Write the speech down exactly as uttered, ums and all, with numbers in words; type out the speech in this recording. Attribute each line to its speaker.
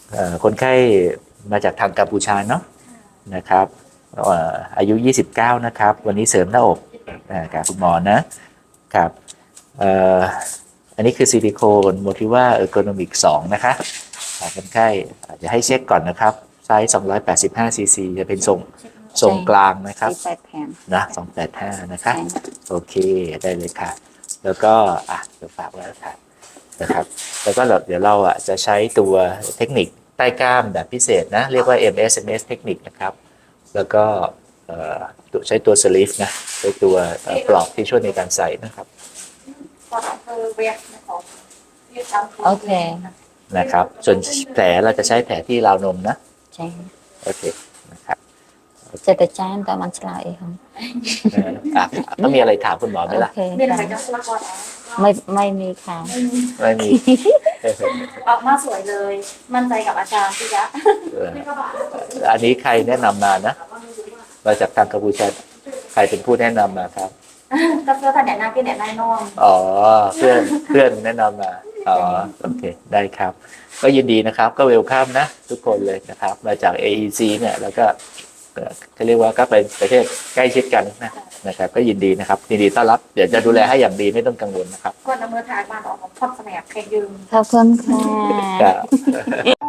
Speaker 1: เอ่อคนไข้มาจากทางกัมพูชาเนาะนะครับเอ่ออายุยี่สิบเก้านะครับวันนี้เสริมหน้าอกอ่ากับคุณหมอนะครับเอ่ออันนี้คือซิลิโคนโมทิว่าเออร์โกนอมิกสองนะคะอ่าคนไข้อาจจะให้เช็คก่อนนะครับไซส์สองร้อยแปดสิบห้าซีซีจะเป็นทรงทรงกลางนะครับ
Speaker 2: สี่แปดแผ่น
Speaker 1: นะสองแปดห้านะคะ
Speaker 2: ใช่
Speaker 1: โอเคได้เลยค่ะ แล้วก็อ่ะเดี๋ยวฝากไว้ค่ะนะครับ แล้วก็เดี๋ยวเราอ่ะจะใช้ตัวเทคนิคใต้กล้ามแบบพิเศษนะ เรียกว่า เอ็ม เอส เอ็ม เอส เทคนิคนะครับ แล้วก็เอ่อใช้ตัวสลีฟนะใช้ตัวเอ่อปลอกที่ช่วยในการใส่นะครับ
Speaker 2: โอเค
Speaker 1: นะครับ ส่วนแผลเราจะใช้แผลที่ราวนมนะ
Speaker 2: ใช่
Speaker 1: โอเคนะครับ
Speaker 2: จะแต่จานแต่มันฉลาดเองครับ
Speaker 1: เอ่ออ่ะต้องมีอะไรถามคุณหมอไหม
Speaker 2: โอ
Speaker 1: ล่ะ
Speaker 2: เคไม่ไม่มีค่ะ
Speaker 1: ไม่มี
Speaker 3: ออกมาสวยเลย มั่นใจกับอาจารย์พี่ยะ
Speaker 1: เอออันนี้ใครแนะนำมานะ มาจากทางกัมพูชาใครเป็นผู้แนะนำมาครับ
Speaker 3: ก็เพื่อท่านแนะนำพี่แนะนำน้อง
Speaker 1: อ๋อเพื่อนเพื่อนแนะนำมาอ๋อโอเคได้ครับ ก็ยินดีนะครับ ก็เวลคัมนะ ทุกคนเลยนะครับ มาจาก เอ อี ซี เนี่ยแล้วก็เอ่อเขาเรียกว่าก็เป็นประเทศใกล้ชิดกันนะนะครับ ก็ยินดีนะครับยินดีต้อนรับเดี๋ยวจะดูแลให้อย่างดีไม่ต้องกังวลนะครับ
Speaker 3: ก่อนดำเนินทางมาออกของพ่อแสนกเคยยืม
Speaker 2: ขอบคุณค่ะ
Speaker 1: ครับ